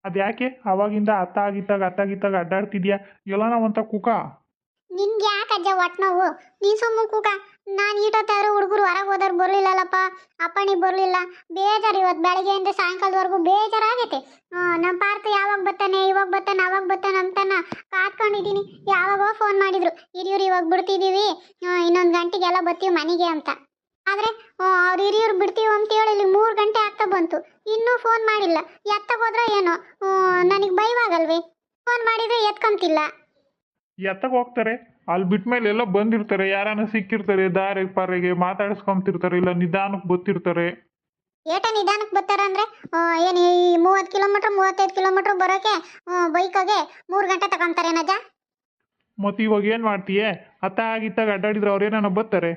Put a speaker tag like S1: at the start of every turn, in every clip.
S1: ಅದ್ಯಾಕೆ ಅವಾಗಿಂದ ಅತ್ತಾಗಿತ್ತಾಗ ಅಡ್ಡಾಡ್ತಿದ್ಯಾ ಎಲ್ಲನ ಅಂತ ಕುಕ.
S2: ನಿನ್ಗೆ ಯಾಕೆ ಅಜ್ಜ ಒಟ್ಟು ನೋವು? ನೀನು ಸುಮ್ಮ ಕೂಕ. ನಾನು ಈಟೊತ್ತಾರು ಹುಡುಗರು ಹೊರಗೆ ಹೋದವ್ರು ಬರಲಿಲ್ಲಲ್ಲಪ್ಪ. ಅಪ್ಪಣಿ ಬರಲಿಲ್ಲ. ಬೇಜಾರು ಇವತ್ತು ಬೆಳಗ್ಗೆಯಿಂದ ಸಾಯಂಕಾಲದವರೆಗೂ ಬೇಜಾರಾಗೈತೆ. ನಮ್ಮ ಪಾರ್ಥ ಯಾವಾಗ ಬರ್ತಾನೆ, ಇವಾಗ ಬರ್ತಾನೆ, ಅವಾಗ ಬರ್ತಾನೆ ಅಂತಾನ ಕಾತ್ಕೊಂಡಿದ್ದೀನಿ. ಯಾವಾಗೋ ಫೋನ್ ಮಾಡಿದ್ರು, ಹಿರಿಯೂರು ಇವಾಗ ಬಿಡ್ತಿದ್ದೀವಿ, ಇನ್ನೊಂದು ಗಂಟೆಗೆಲ್ಲ ಬರ್ತೀವಿ ಮನೆಗೆ ಅಂತ. ಆದರೆ ಅವ್ರು ಹಿರಿಯೂರು ಬಿಡ್ತೀವಿ ಅಂತೇಳಿ ಇಲ್ಲಿ 3 ಗಂಟೆ ಆಗ್ತಾ ಬಂತು, ಇನ್ನೂ ಫೋನ್ ಮಾಡಿಲ್ಲ. ಎತ್ತಗೋದ್ರೆ ಏನೋ ನನಗೆ ಭಯವಾಗಲ್ವೇ? ಫೋನ್ ಮಾಡಿದರೆ ಎತ್ಕೊಂತಿಲ್ಲ.
S1: ಎತ್ತಗೆ ಹೋಗ್ತಾರೆ, ಅಲ್ಲಿ ಬಿಟ್ಮೇಲೆ ಎಲ್ಲ ಬಂದಿರ್ತಾರೆ, ಯಾರನ್ನ ಸಿಕ್ಕಿರ್ತಾರೆ, ದಾರಿ ಪಾರಿಗೆ ಮಾತಾಡಿಸ್ಕೊಂತಿರ್ತಾರೆ, ಇಲ್ಲ ನಿಧಾನಕ್ಕೆ ಗೊತ್ತಿರ್ತಾರೆ.
S2: ಏಟ ನಿಧಾನಕ್ಕೆ ಬರ್ತಾರ ಅಂದರೆ ಏನು ಈ 30 ಕಿಲೋಮೀಟ್ರ್ 35 ಕಿಲೋಮೀಟ್ರ್ ಬರೋಕ್ಕೆ ಬೈಕಾಗೆ 3 ಗಂಟೆ ತಗೊಂತಾರೆ ನಜ.
S1: ಮತ್ತು ಇವಾಗ ಏನು ಮಾಡ್ತೀಯೇ? ಅತ್ತಾಗಿತ್ತಾಗ ಅಡ್ಡಾಡಿದ್ರೆ ಅವ್ರೇನ ಬರ್ತಾರೆ.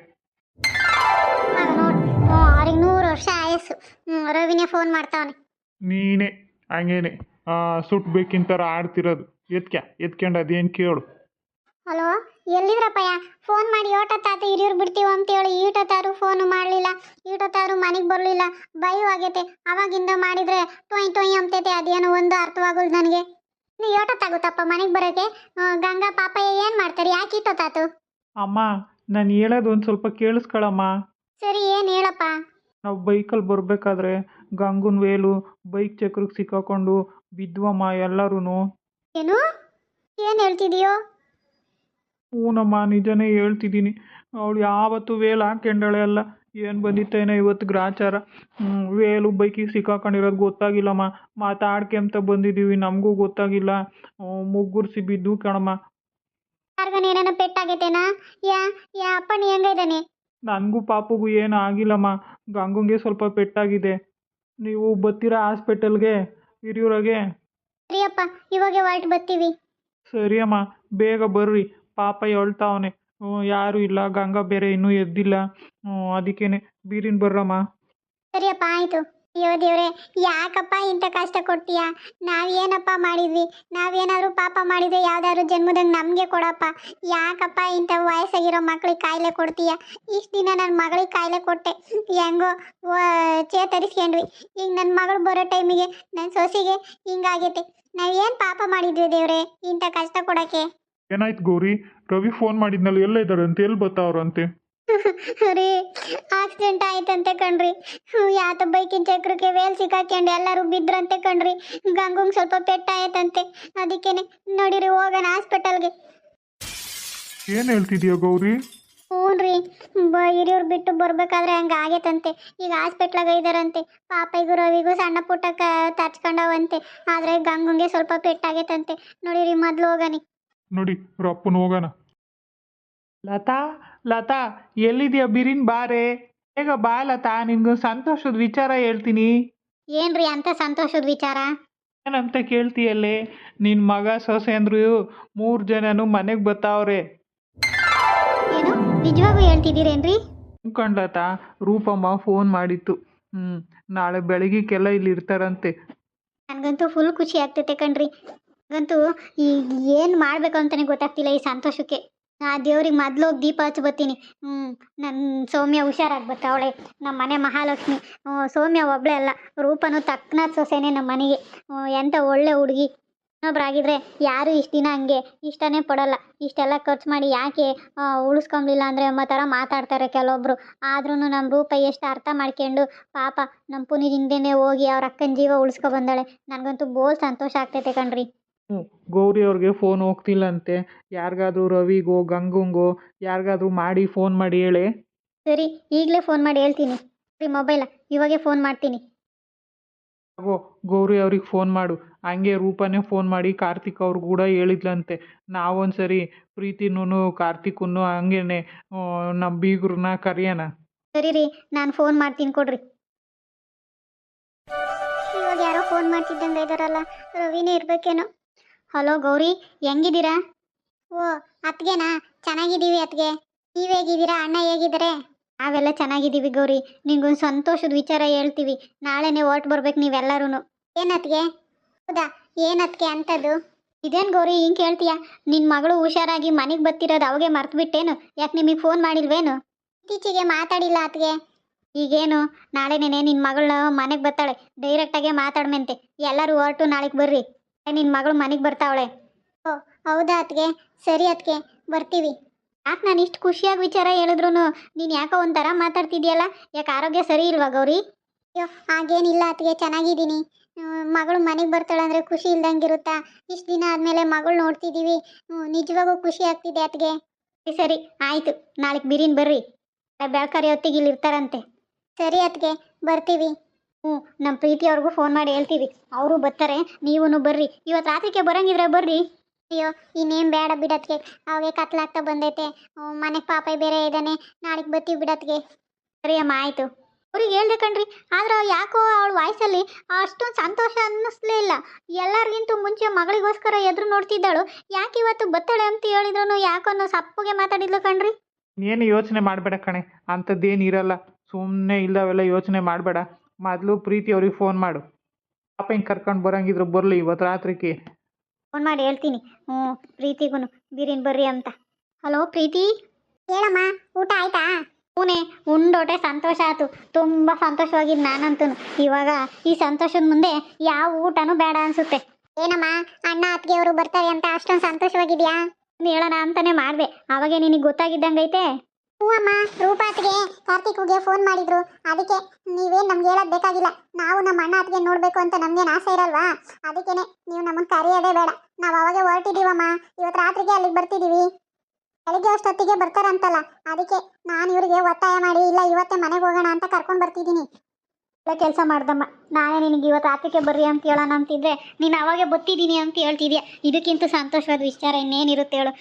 S2: ನೋಡಿ ಅವ್ರಿಗೆ 100 ವರ್ಷ ಆಯಸ್ಸು. ರವಿನೇ ಫೋನ್ ಮಾಡ್ತಾವನೆ.
S1: ನೀನೇ ಹಂಗೇನೆ ಸುಟ್ಬೇಕಿಂತರ ಆಡ್ತಿರೋದು. ಎತ್ಕೊಂಡು ಅದೇನು ಕೇಳು.
S2: ಹಲೋ, ಎಲ್ಲಿದ್ರಪ್ಪಯ್ಯ? ಫೋನ್ ಮಾಡಿ ಓಟತ್ತಾತು ಹಿರಿಯೂರು ಬಿಡ್ತೀವಿ ಅಂತೇಳಿ ಈಟೊತ್ತಾರು ಫೋನು ಮಾಡಲಿಲ್ಲ, ಈಟೊತ್ತಾರು ಮನೆಗೆ ಬರಲಿಲ್ಲ. ಭಯವಾಗೈತೆ. ಅವಾಗಿಂದ ಮಾಡಿದರೆ ಟೊಯ್ ಅಂತೈತೆ, ಅದೇನೋ ಒಂದು ಅರ್ಥವಾಗಲ್ಲ ನನಗೆ. ನೀವು ಏಟೊತ್ತಾಗುತ್ತಪ್ಪ ಮನೆಗೆ ಬರೋಕ್ಕೆ? ಗಂಗಾ ಪಾಪಯ್ಯ ಏನು ಮಾಡ್ತಾರೆ? ಯಾಕೆ ಇಟ್ಟೊತ್ತಾತು?
S1: ಅಮ್ಮ, ನಾನು ಹೇಳೋದು ಒಂದು ಸ್ವಲ್ಪ ಕೇಳಿಸ್ಕೊಳಮ್ಮ.
S2: ಸರಿ, ಏನು ಹೇಳಪ್ಪ?
S1: ನಾವು ಬೈಕಲ್ಲಿ ಬರಬೇಕಾದ್ರೆ ಗಂಗುನ್ ವೇಲು ಬೈಕ್ ಚಕ್ರಕ್ಕೆ ಸಿಕ್ಕಾಕೊಂಡು ಬಿದ್ವಮ್ಮ ಎಲ್ಲರೂ.
S2: ಏನು ಹೇಳ್ತಿದೀಯೋ?
S1: ಹೂನಮ್ಮ, ನಿಜನೇ ಹೇಳ್ತಿದ್ದೀನಿ. ಅವಳು ಯಾವತ್ತೂ ವೇಲು ಹಾಕ್ಕೊಂಡಳೆ ಅಲ್ಲ. ಏನು ಬಂದಿತ್ತೇನೋ ಇವತ್ತು ಗ್ರಾಚಾರ. ವೇಲು ಬೈಕಿಗೆ ಸಿಕ್ಕಾಕೊಂಡಿರೋದು ಗೊತ್ತಾಗಿಲ್ಲಮ್ಮ. ಮಾತಾಡ್ಕೊಂತ ಬಂದಿದ್ದೀವಿ, ನಮಗೂ ಗೊತ್ತಾಗಿಲ್ಲ. ಮುಗ್ಗುರ್ಸಿ ಬಿದ್ದು ಕಣಮ್ಮ.
S2: ಯಾರಿಗೇನೇನೋ ಪೆಟ್ಟಾಗೈತೇನಾ? ಯಾ ಅಪ್ಪಣ್ಣ ಹೆಂಗಿದ್ದಾನೆ?
S1: ನನಗೂ ಪಾಪಗೂ ಏನು ಆಗಿಲ್ಲಮ್ಮ. ಗಂಗುಂಗೆ ಸ್ವಲ್ಪ ಪೆಟ್ಟಾಗಿದೆ. ನೀವು ಬರ್ತೀರಾ ಹಾಸ್ಪಿಟಲ್ಗೆ ಹಿರಿಯೂರಾಗೆ?
S2: ಸರಿಯಪ್ಪ, ಇವಾಗ ಹೊರಟು ಬರ್ತೀವಿ.
S1: ಸರಿ ಅಮ್ಮ, ಬೇಗ ಬರ್ರಿ. ಪಾಪ ಹೇಳ್ತಾವನೆ, ಯಾರೂ ಇಲ್ಲ, ಗಂಗಾ ಬೇರೆ ಇನ್ನೂ ಎದ್ದಿಲ್ಲ. ಅದಕ್ಕೇನೆ ಬೀರಿನ ಬರ್ರಮ್ಮ.
S2: ಸರಿಯಪ್ಪ, ಆಯಿತು. ಅಯ್ಯೋ ದೇವ್ರೆ, ಯಾಕಪ್ಪ ಇಂಥ ಕಷ್ಟ ಕೊಡ್ತೀಯಾ? ನಾವೇನಪ್ಪ ಮಾಡಿದ್ವಿ? ನಾವೇನಾದರೂ ಪಾಪ ಮಾಡಿದ್ರೆ ಯಾವ್ದಾದ್ರು ಜನ್ಮದಂಗೆ ನಮಗೆ ಕೊಡಪ್ಪ. ಯಾಕಪ್ಪ ಇಂಥ ವಯಸ್ಸಾಗಿರೋ ಮಕ್ಳಿಗೆ ಕಾಯಿಲೆ ಕೊಡ್ತೀಯಾ? ಇಷ್ಟು ದಿನ ನನ್ನ ಮಗಳಿಗೆ ಕಾಯಿಲೆ ಕೊಟ್ಟೆ, ಹೆಂಗೋ ಚೇತರಿಸ್ಕೊಂಡ್ವಿ. ಈಗ ನನ್ನ ಮಗಳು ಬರೋ ಟೈಮಿಗೆ ನನ್ನ ಸೊಸೆಗೆ ಹಿಂಗಾಗೈತೆ. ನಾವೇನು ಪಾಪ ಮಾಡಿದ್ವಿ ದೇವ್ರೆ ಇಂಥ ಕಷ್ಟ ಕೊಡೋಕ್ಕೆ?
S1: ಏನಾಯ್ತು ಗೌರಿ? ರವಿ ಫೋನ್ ಮಾಡಿದ್ನಲ್ಲ, ಎಲ್ಲ ಇದ್ದಾರೆ ಅಂತ, ಎಲ್ಲಿ ಬರ್ತಾವ್ರಂತೆ?
S2: ರೀ, ಆಕ್ಸಿಡೆಂಟ್ ಆಯ್ತಂತೆ ಕಣ್ರಿ. ಯಾತ ಬೈಕಿನ ಚಕ್ರಕ್ಕೆ ವೇಲ್ ಸಿಕ್ಕಾಕೊಂಡು ಎಲ್ಲರೂ ಬಿದ್ರಂತೆ ಕಣ್ರಿ. ಗಂಗಂಗೆ ಸ್ವಲ್ಪ ಪೆಟ್ಟಾಯ್ತಂತೆ. ಅದಕ್ಕೇನೆ ನೋಡಿರಿ, ಹೋಗೋಣ ಹಾಸ್ಪಿಟಲ್ಗೆ.
S1: ಏನು ಹೇಳ್ತಿದ್ಯಾ ಗೌರಿ?
S2: ಹ್ಞೂ ರೀ, ಹಿರಿಯೂರು ಬಿಟ್ಟು ಬರ್ಬೇಕಾದ್ರೆ ಹಂಗೆ ಆಗೈತಂತೆ. ಈಗ ಹಾಸ್ಪಿಟ್ಲಾಗ ಇದ್ದಾರಂತೆ. ಪಾಪೈಗೂ ರವಿಗೂ ಸಣ್ಣ ಪುಟ್ಟ ತರ್ಚ್ಕೊಂಡವಂತೆ. ಆದರೆ ಗಂಗಂಗೆ ಸ್ವಲ್ಪ ಪೆಟ್ಟಾಗೈತಂತೆ. ನೋಡಿರಿ, ಮೊದಲು ಹೋಗನಿ.
S1: ನೋಡಿ ರಪ್ಪನ ಹೋಗೋಣ. ಲತಾ ಎಲ್ಲಿದ್ಯಾ? ಬಿರಿನ್ ಬಾರೆ, ಬೇಗ ಬಾ ಲತಾ. ನಿನ್ಗೊಂದು ಸಂತೋಷದ ವಿಚಾರ ಹೇಳ್ತೀನಿ.
S2: ಏನ್ರಿ ಅಂತ ಸಂತೋಷದ ವಿಚಾರ?
S1: ಏನಂತ ಕೇಳ್ತೀಯಲ್ಲೇ? ನಿನ್ನ ಮಗ ಸೊಸೆ ಅಂದ್ರು 3 ಜನನು ಮನೆಗೆ ಬರ್ತಾವ್ರೆ.
S2: ಏನು ನಿಜವಾಗೂ ಹೇಳ್ತಿದ್ದೀರೇನ್ರಿ?
S1: ಲತಾ, ರೂಪಮ್ಮ ಫೋನ್ ಮಾಡಿತ್ತು. ನಾಳೆ ಬೆಳಗ್ಗೆಲ್ಲ ಇಲ್ಲಿ ಇರ್ತಾರಂತೆ.
S2: ನನಗಂತೂ ಫುಲ್ ಖುಷಿ ಆಗ್ತೈತೆ ಕಣ್ರಿ. ನನಗಂತೂ ಈಗ ಏನು ಮಾಡಬೇಕು ಅಂತಲೇ ಗೊತ್ತಾಗ್ತಿಲ್ಲ ಈ ಸಂತೋಷಕ್ಕೆ. ಆ ದೇವ್ರಿಗೆ ಮೊದಲು ಹೋಗಿ ದೀಪ ಹಚ್ಚಿ ಬರ್ತೀನಿ. ನನ್ನ ಸೌಮ್ಯ ಹುಷಾರಾಗಿ ಬರ್ತಾವಳೆ, ನಮ್ಮ ಮನೆ ಮಹಾಲಕ್ಷ್ಮಿ. ಸೌಮ್ಯ ಒಬ್ಬಳೇ ಅಲ್ಲ, ರೂಪನೂ ತಕ್ಕನಾದ ಸೊಸೆನೇ ನಮ್ಮ ಮನೆಗೆ. ಎಂಥ ಒಳ್ಳೆ ಹುಡುಗಿ. ಇನ್ನೊಬ್ರಾಗಿದ್ರೆ ಯಾರು ಇಷ್ಟು ದಿನ ಹಂಗೆ ಇಷ್ಟನೇ ಪಡೋಲ್ಲ. ಇಷ್ಟೆಲ್ಲ ಖರ್ಚು ಮಾಡಿ ಯಾಕೆ ಉಳಿಸ್ಕೊಂಬಿಲ್ಲ ಅಂದರೆ ಎಂಬ ಥರ ಮಾತಾಡ್ತಾರೆ ಕೆಲವೊಬ್ಬರು. ಆದ್ರೂ ನಮ್ಮ ರೂಪ ಎಷ್ಟು ಅರ್ಥ ಮಾಡ್ಕೊಂಡು ಪಾಪ ನಮ್ಮ ಪುನೀದಿಂದನೇ ಹೋಗಿ ಅವ್ರ ಅಕ್ಕನ ಜೀವ ಉಳಿಸ್ಕೊ ಬಂದಾಳೆ. ನನಗಂತೂ ಬೋಲ್ ಸಂತೋಷ ಆಗ್ತೈತೆ ಕಣ್ರಿ.
S1: ಗೌರಿ ಅವ್ರಿಗೆ ಫೋನ್ ಹೋಗ್ತಿಲ್ಲಂತೆ. ಯಾರಿಗಾದ್ರೂ ರವಿಗೋ ಗಂಗುಂಗೋ ಯಾರಿಗಾದ್ರೂ ಮಾಡಿ ಫೋನ್ ಮಾಡಿ ಹೇಳಿ.
S2: ಸರಿ, ಈಗಲೇ ಫೋನ್ ಮಾಡಿ ಹೇಳ್ತೀನಿ ರೀ. ಮೊಬೈಲ ಇವಾಗೇ ಫೋನ್ ಮಾಡ್ತೀನಿ.
S1: ಗೌರಿ ಅವ್ರಿಗೆ ಫೋನ್ ಮಾಡು. ಹಂಗೆ ರೂಪನೇ ಫೋನ್ ಮಾಡಿ ಕಾರ್ತಿಕ್ ಅವ್ರು ಕೂಡ ಹೇಳಿದ್ಲಂತೆ. ನಾವೊಂದ್ಸರಿ ಪ್ರೀತಿನೂ ಕಾರ್ತಿಕ್ನು ಹಂಗೇನೆ ನಮ್ಮ ಬೀಗ್ರನ್ನ ಕರೆಯೋಣ.
S2: ಸರಿ ರೀ, ನಾನು ಫೋನ್ ಮಾಡ್ತೀನಿ ಕೊಡ್ರಿ. ಇವಾಗ ಯಾರೋ ಫೋನ್ ಮಾಡ್ತಿದ್ದಂಗೆ ಇದ್ದಾರಲ್ಲ, ರವಿನೇ ಇರ್ಬೇಕೇನೋ. ಹಲೋ ಗೌರಿ, ಹೆಂಗಿದ್ದೀರಾ? ಓ ಅತ್ಗೆನಾ? ಚೆನ್ನಾಗಿದ್ದೀವಿ ಅತ್ಗೆ. ನೀವು ಹೇಗಿದ್ದೀರಾ? ಅಣ್ಣ ಹೇಗಿದ್ದಾರೆ? ನಾವೆಲ್ಲ ಚೆನ್ನಾಗಿದ್ದೀವಿ ಗೌರಿ. ನಿಂಗೊಂದು ಸಂತೋಷದ ವಿಚಾರ ಹೇಳ್ತೀವಿ. ನಾಳೆನೇ ಹೊರ್ಟು ಬರ್ಬೇಕು ನೀವೆಲ್ಲರೂ. ಏನತ್ಗೆ? ಹೌದಾ, ಏನತ್ಗೆ ಅಂಥದ್ದು? ಇದೇನು ಗೌರಿ ಹಿಂಗೆ ಕೇಳ್ತೀಯಾ? ನಿನ್ನ ಮಗಳು ಹುಷಾರಾಗಿ ಮನೆಗೆ ಬರ್ತಿರೋದು ಅವಾಗೆ ಮರ್ತುಬಿಟ್ಟೇನು? ಯಾಕೆ ನಿಮಗೆ ಫೋನ್ ಮಾಡಿಲ್ವೇನು? ಇತ್ತೀಚೆಗೆ ಮಾತಾಡಿಲ್ಲ ಅತ್ಗೆ. ಈಗೇನು ನಾಳೆನೇನೆ ನಿನ್ನ ಮಗಳ ಮನೆಗೆ ಬರ್ತಾಳೆ, ಡೈರೆಕ್ಟಾಗೆ ಮಾತಾಡ್ಮೆಂತೆ. ಎಲ್ಲರೂ ಹೊರಟು ನಾಳೆಗೆ ಬರ್ರಿ, ನಿನ್ನ ಮಗಳು ಮನೆಗೆ ಬರ್ತಾವಳೆ. ಓ ಹೌದಾ ಅತ್ಗೆ, ಸರಿ ಅತ್ಗೆ, ಬರ್ತೀವಿ. ಯಾಕೆ ನಾನು ಇಷ್ಟು ಖುಷಿಯಾಗಿ ವಿಚಾರ ಹೇಳಿದ್ರು ನೀನು ಯಾಕೋ ಒಂಥರ ಮಾತಾಡ್ತಿದ್ಯಲ್ಲ, ಯಾಕೆ ಆರೋಗ್ಯ ಸರಿ ಇಲ್ವಾ ಗೌರಿ? ಅಯ್ಯೋ ಹಾಗೇನಿಲ್ಲ ಅತ್ಗೆ, ಚೆನ್ನಾಗಿದ್ದೀನಿ. ಮಗಳು ಮನೆಗೆ ಬರ್ತಾಳೆ ಅಂದರೆ ಖುಷಿ ಇಲ್ದಂಗಿರುತ್ತಾ? ಇಷ್ಟು ದಿನ ಆದಮೇಲೆ ಮಗಳು ನೋಡ್ತಿದ್ದೀವಿ, ನಿಜವಾಗೂ ಖುಷಿ ಆಗ್ತಿದೆ ಅತ್ಗೆ. ಸರಿ ಸರಿ ಆಯಿತು, ನಾಳೆಗೆ ಬಿರಿನ್ ಬರ್ರಿ, ಬೆಳಕರಿ ಹೊತ್ತಿಗೆ ಇಲ್ಲಿ ಇರ್ತಾರಂತೆ. ಸರಿ ಅತ್ಗೆ, ಬರ್ತೀವಿ. ನಮ್ಮ ಪ್ರೀತಿಯವ್ರಿಗೂ ಫೋನ್ ಮಾಡಿ ಹೇಳ್ತೀವಿ, ಅವರು ಬರ್ತಾರೆ, ನೀವೂ ಬರ್ರಿ. ಇವತ್ತು ರಾತ್ರಿಗೆ ಬರೋಂಗಿದ್ರೆ ಬರ್ರಿ. ಅಯ್ಯೋ ಇನ್ನೇನು ಬೇಡ ಬಿಡತ್ಗೆ, ಅವಾಗೆ ಕತ್ಲಾಗ್ತಾ ಬಂದೈತೆ, ಮನೆಗೆ ಪಾಪ ಬೇರೆ ಇದ್ದಾನೆ, ನಾಳೆಗೆ ಬರ್ತೀವಿ ಬಿಡತ್ಗೆ. ಸರಿ ಅಮ್ಮ ಆಯಿತು. ಅವ್ರಿಗೆ ಹೇಳ್ದೆ ಕಣ್ರಿ, ಆದ್ರೆ ಯಾಕೋ ಅವಳ ವಾಯ್ಸಲ್ಲಿ ಅಷ್ಟೊಂದು ಸಂತೋಷ ಅನ್ನಿಸ್ಲೇ ಇಲ್ಲ. ಎಲ್ಲರಿಗಿಂತೂ ಮುಂಚೆ ಮಗಳಿಗೋಸ್ಕರ ಎದುರು ನೋಡ್ತಿದ್ದಾಳು, ಯಾಕೆ ಇವತ್ತು ಬತ್ತಾಳೆ ಅಂತ ಹೇಳಿದ್ರು ಯಾಕೋ ಸಪ್ಪಗೆ ಮಾತಾಡಿದ್ಲು ಕಣ್ರಿ.
S1: ಏನು ಯೋಚನೆ ಮಾಡಬೇಡ ಕಣೆ, ಅಂಥದ್ದೇನು ಇರಲ್ಲ. ಸುಮ್ಮನೆ ಇಲ್ಲವೆಲ್ಲ ಯೋಚನೆ ಮಾಡಬೇಡ. ಮೊದಲು ಪ್ರೀತಿ ಅವ್ರಿಗೆ ಫೋನ್ ಮಾಡು, ಪಾಪ ಹಿಂಗೆ ಕರ್ಕೊಂಡು ಬರೋಂಗಿದ್ರು ಬರಲಿ ಇವತ್ತು ರಾತ್ರಿಗೆ.
S2: ಫೋನ್ ಮಾಡಿ ಹೇಳ್ತೀನಿ ಪ್ರೀತಿಗೂ ಬಿರಿನ್ ಬರ್ರಿ ಅಂತ. ಹಲೋ ಪ್ರೀತಿ, ಹೇಳಮ್ಮ, ಊಟ ಆಯ್ತಾ? ಹೂನೆ, ಉಂಡೋಟೆ ಸಂತೋಷ ಆಯ್ತು, ತುಂಬ ಸಂತೋಷವಾಗಿದ್ದು ನಾನಂತೂ. ಇವಾಗ ಈ ಸಂತೋಷದ ಮುಂದೆ ಯಾವ ಊಟನೂ ಬೇಡ ಅನ್ಸುತ್ತೆ. ಏನಮ್ಮ, ಅಣ್ಣ ಅತ್ತಿಗೆ ಅವರು ಬರ್ತಾರೆ ಅಂತ ಅಷ್ಟೊಂದು ಸಂತೋಷವಾಗಿದ್ಯಾ? ಹೇಳೋಣ ಅಂತಾನೆ ಮಾಡಿದೆ, ಅವಾಗೆ ನಿನಗೆ ಗೊತ್ತಾಗಿದ್ದಂಗೈತೆ. ಹ್ಞೂ ಅಮ್ಮ, ರೂಪಾ ಅತ್ತಿಗೆ ಕಾರ್ತಿಕ್ಗೆ ಫೋನ್ ಮಾಡಿದ್ರು, ಅದಕ್ಕೆ ನೀವೇನು ನಮ್ಗೆ ಹೇಳೋದು ಬೇಕಾಗಿಲ್ಲ. ನಾವು ನಮ್ಮ ಅಣ್ಣ ಅತ್ತಿಗೆ ನೋಡಬೇಕು ಅಂತ ನಮ್ಗೇನು ಆಸೆ ಇರಲ್ವಾ? ಅದಕ್ಕೇನೆ ನೀವು ನಮ್ಮನ್ನು ಕರೆಯೋದೇ ಬೇಡ, ನಾವು ಅವಾಗೆ ಹೊರಟಿದ್ದೀವಮ್ಮ. ಇವತ್ತು ರಾತ್ರಿಗೆ ಅಲ್ಲಿಗೆ ಬರ್ತಿದ್ದೀವಿ, ಬೆಳಿಗ್ಗೆ ಅಷ್ಟೊತ್ತಿಗೆ ಬರ್ತಾರಂತಲ್ಲ, ಅದಕ್ಕೆ ನಾನು ಇವರಿಗೆ ಒತ್ತಾಯ ಮಾಡಿ ಇಲ್ಲ ಇವತ್ತೇ ಮನೆಗೆ ಹೋಗೋಣ ಅಂತ ಕರ್ಕೊಂಡು ಬರ್ತಿದ್ದೀನಿ. ಒಳ್ಳೆ ಕೆಲಸ ಮಾಡ್ದಮ್ಮ, ನಾನೇ ನಿನಗೆ ಇವತ್ತು ರಾತ್ರಿಗೆ ಬರ್ರಿ ಅಂತ ಹೇಳೋಣ ಅಂತಿದ್ರೆ ನೀನು ಅವಾಗೆ ಬತ್ತಿದ್ದೀನಿ ಅಂತ ಹೇಳ್ತಿದ್ಯಾ. ಇದಕ್ಕಿಂತ ಸಂತೋಷವಾದ ವಿಚಾರ ಇನ್ನೇನಿರುತ್ತೆ ಹೇಳು?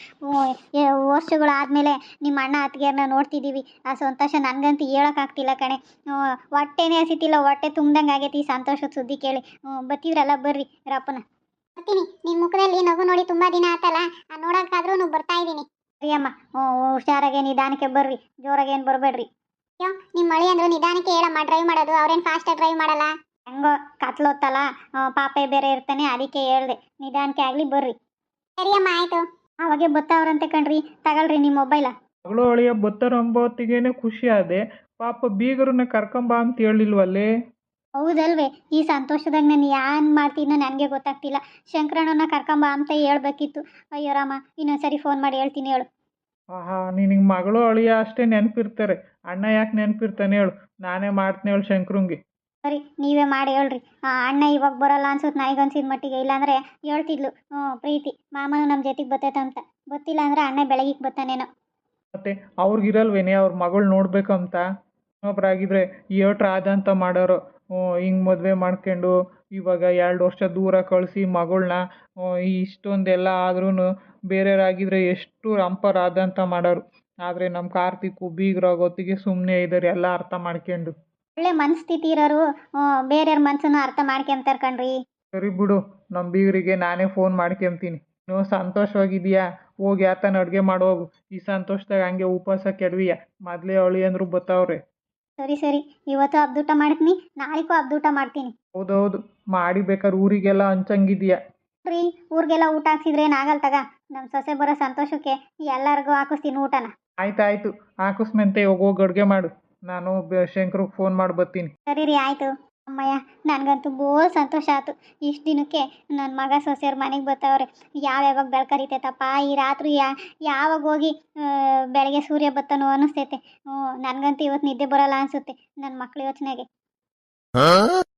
S2: ವರ್ಷಗಳಾದಮೇಲೆ ನಿಮ್ಮ ಅಣ್ಣ ಅತ್ತಿಗೆಯನ್ನ ನೋಡ್ತಿದ್ದೀವಿ, ಆ ಸಂತೋಷ ನನಗಂತೂ ಹೇಳೋಕ್ಕಾಗ್ತಿಲ್ಲ ಕಣೆ. ಹೊಟ್ಟೆನೇ ಹಸಿತಿಲ್ಲ, ಹೊಟ್ಟೆ ತುಂಬ್ದಂಗೆ ಆಗೈತಿ ಈ ಸಂತೋಷದ ಸುದ್ದಿ ಕೇಳಿ. ಬತ್ತಿದ್ರಲ್ಲ ಬರ್ರಿ ರಪ್ಪನ. ಬರ್ತೀನಿ, ನಿಮ್ಮ ಮುಖದಲ್ಲಿ ನಗು ನೋಡಿ ತುಂಬ ದಿನ ಆತಲ್ಲ, ನೋಡೋಕ್ಕಾದ್ರೂ ಬರ್ತಾ ಇದ್ದೀನಿ. ಸರಿ ಅಮ್ಮ, ಹುಷಾರಾಗೆ ನಿಧಾನಕ್ಕೆ ಬರ್ರಿ, ಜೋರಾಗೇನು ಬರಬೇಡ್ರಿ. ಅಯ್ಯೋ ನಿಮ್ಮ ಮಳೆ ಅಂದ್ರು ನಿಧಾನಕ್ಕೆ ಹೇಳಮ್ಮ, ಡ್ರೈವ್ ಮಾಡೋದು ಅವ್ರೇನು ಫಾಸ್ಟಾಗಿ ಡ್ರೈವ್ ಮಾಡಲ್ಲ. ಹೆಂಗೋ ಕತ್ಲೊತ್ತಲ್ಲ, ಪಾಪೆ ಬೇರೆ ಇರ್ತಾನೆ, ಅದಕ್ಕೆ ಹೇಳ್ದೆ ನಿಧಾನಕ್ಕೆ ಆಗಲಿ ಬರ್ರಿ. ಸರಿ ಅಮ್ಮ ಆಯಿತು. ಅವಾಗೆ ಬತ್ತಾವ್ರಂತೆ ಕಣ್ರಿ, ತಗೊಳ್ರಿ ನಿಮ್ಮ ಮೊಬೈಲ.
S1: ಮಗಳು ಅಳಿಯ ಬತ್ತಾರ ಅಂಬೋತ್ತಿಗೇನೆ ಖುಷಿ ಆದೆ, ಪಾಪ ಬೀಗರನ್ನ ಕರ್ಕೊಂಬ ಅಂತ ಹೇಳಿಲ್ವಲ್ಲೇ?
S2: ಹೌದಲ್ವೇ, ಈ ಸಂತೋಷದಾಗ ನಾನು ಏನು ಮಾಡ್ತಿದ್ನೋ ನನಗೆ ಗೊತ್ತಾಗ್ತಿಲ್ಲ. ಶಂಕರಣ್ಣನ ಕರ್ಕೊಂಬ ಅಂತ ಹೇಳ್ಬೇಕಿತ್ತು. ಅಯ್ಯೋ ರಾಮ, ಇನ್ನೊಂದ್ಸರಿ ಫೋನ್ ಮಾಡಿ ಹೇಳ್ತೀನಿ ಹೇಳು.
S1: ಆಹಾ, ನಿನಗೆ ಮಗಳು ಅಳಿಯ ಅಷ್ಟೇ ನೆನಪಿರ್ತಾರೆ, ಅಣ್ಣ ಯಾಕೆ ನೆನಪಿರ್ತಾನೆ ಹೇಳು? ನಾನೇ ಮಾಡ್ತೀನಿ ಹೇಳು ಶಂಕ್ರಂಗೆ.
S2: ಸರಿ ನೀವೇ ಮಾಡಿ ಹೇಳ್ರಿ. ಅಣ್ಣ ಇವಾಗ ಬರೋಲ್ಲ ಅನ್ಸುತ್ತೆ ನನಗನ್ಸಿದ ಮಟ್ಟಿಗೆ, ಇಲ್ಲಾಂದರೆ ಹೇಳ್ತಿದ್ಲು ಪ್ರೀತಿ ಮಾಮನು ನಮ್ಮ ಜೊತೆಗೆ ಬರ್ತೈತೆ ಅಂತ. ಗೊತ್ತಿಲ್ಲ ಅಂದರೆ ಅಣ್ಣ ಬೆಳಗಿಗೆ ಬರ್ತಾನೇನೋ.
S1: ಮತ್ತೆ ಅವ್ರಿಗಿರಲ್ವೇನೆ ಅವ್ರ ಮಗಳು ನೋಡ್ಬೇಕಂತ? ಇನ್ನೊಬ್ರಾಗಿದ್ರೆ ಏಟ್ರ ಆದಂತ ಮಾಡೋರು, ಹಿಂಗೆ ಮದುವೆ ಮಾಡ್ಕೊಂಡು ಇವಾಗ 2 ವರ್ಷ ದೂರ ಕಳಿಸಿ ಮಗಳನ್ನ, ಇಷ್ಟೊಂದೆಲ್ಲ ಆದ್ರೂ ಬೇರೆಯವರಾಗಿದ್ರೆ ಎಷ್ಟು ರಂಪರಾದಂತ ಮಾಡೋರು. ಆದರೆ ನಮ್ಮ ಕಾರ್ತಿಕ್ಕು ಬೀಗರಾಗೊತ್ತಿಗೆ ಸುಮ್ಮನೆ ಇದ್ದಾರೆ, ಎಲ್ಲ ಅರ್ಥ ಮಾಡ್ಕೊಂಡು.
S2: ಒಳ್ಳೆ ಮನಸ್ಥಿತಿ ಇರೋರು ಬೇರೆಯವ್ರ ಮನಸ್ಸನ್ನು ಅರ್ಥ ಮಾಡ್ಕೊಂತಾರೆ ಕಣ್ರಿ.
S1: ಸರಿ ಬಿಡು, ನಮ್ಮ ಬೀಗರಿಗೆ ನಾನೇ ಫೋನ್ ಮಾಡ್ಕೊಂತೀನಿ. ನೀವು ಸಂತೋಷವಾಗಿದೆಯಾ? ಹೋಗಿ ಯಾತನ ಅಡುಗೆ ಮಾಡೋಗು. ಈ ಸಂತೋಷದಾಗ ಹಂಗೆ ಉಪವಾಸ ಕೆಡವಿಯ, ಮೊದಲೇ ಅಳಿ ಅಂದ್ರು ಬತ್ತಾವ್ರೆ.
S2: ಸರಿ ಸರಿ, ಇವತ್ತು ಹಬ್ದೂಟ ಮಾಡ್ತೀನಿ, ನಾಳೆಗೂ ಹಬ್ದೂಟ ಮಾಡ್ತೀನಿ.
S1: ಹೌದೌದು, ಮಾಡಿ ಬೇಕಾದ್ರೆ ಊರಿಗೆಲ್ಲ ಹಂಚಂಗಿದೆಯಾ?
S2: ರೀ, ಊರಿಗೆಲ್ಲ ಊಟ ಹಾಕ್ಸಿದ್ರೆ ಏನಾಗಲ್ಲ ತಗ, ನಮ್ಮ ಸೊಸೆ ಬರೋ ಸಂತೋಷಕ್ಕೆ ಎಲ್ಲರಿಗೂ ಹಾಕಿಸ್ತೀನಿ ಊಟನ.
S1: ಆಯ್ತಾಯ್ತು, ಹಾಕಿಸ್ಮೆಂತೆ ಹೋಗಿ ಅಡುಗೆ ಮಾಡು, ನಾನು ಶಂಕರ್ಗೆ ಫೋನ್ ಮಾಡಿ ಬರ್ತೀನಿ.
S2: ಸರಿ ರೀ ಆಯಿತು. ಅಮ್ಮಯ್ಯ, ನನಗಂತೂ ಬೋಲ್ ಸಂತೋಷ ಆಯ್ತು. ಇಷ್ಟು ದಿನಕ್ಕೆ ನನ್ನ ಮಗ ಸೊಸೆಯವ್ರ ಮನೆಗೆ ಬರ್ತಾವ್ರೆ. ಯಾವಾಗ ಬೆಳ್ಕರಿತೈತಪ್ಪ ಈ ರಾತ್ರಿ, ಯಾವಾಗ ಹೋಗಿ ಬೆಳಗ್ಗೆ ಸೂರ್ಯ ಬತ್ತನೋ ಅನ್ನಿಸ್ತೈತೆ. ನನಗಂತೂ ಇವತ್ತು ನಿದ್ದೆ ಬರೋಲ್ಲ ಅನಿಸುತ್ತೆ ನನ್ನ ಮಕ್ಳ ಯೋಚನೆಗೆ.